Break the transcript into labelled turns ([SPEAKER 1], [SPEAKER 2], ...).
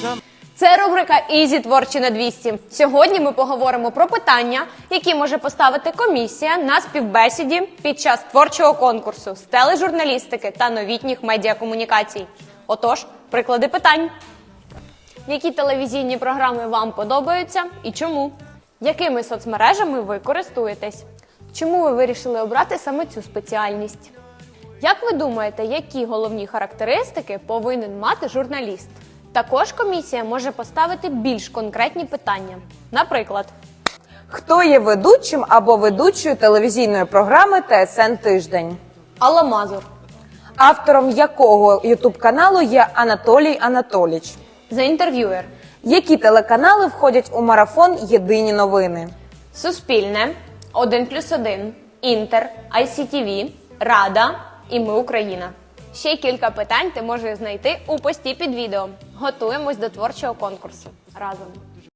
[SPEAKER 1] Це рубрика «Ізі творчі на 200». Сьогодні ми поговоримо про питання, які може поставити комісія на співбесіді під час творчого конкурсу з тележурналістики та новітніх медіакомунікацій. Отож, приклади питань. Які телевізійні програми вам подобаються і чому? Якими соцмережами ви користуєтесь? Чому ви вирішили обрати саме цю спеціальність? Як ви думаєте, які головні характеристики повинен мати журналіст? Також комісія може поставити більш конкретні питання. Наприклад,
[SPEAKER 2] хто є ведучим або ведучою телевізійної програми ТСН «Тиждень»?
[SPEAKER 1] Алла Мазур,
[SPEAKER 2] Автором якого ютуб-каналу є Анатолій Анатоліч?
[SPEAKER 1] The Interviewer,
[SPEAKER 2] Які телеканали входять у марафон «Єдині новини»?
[SPEAKER 1] Суспільне, 1+1, Інтер, ICTV, Рада і Ми Україна. Ще кілька питань ти можеш знайти у пості під відео. Готуємось до творчого конкурсу разом.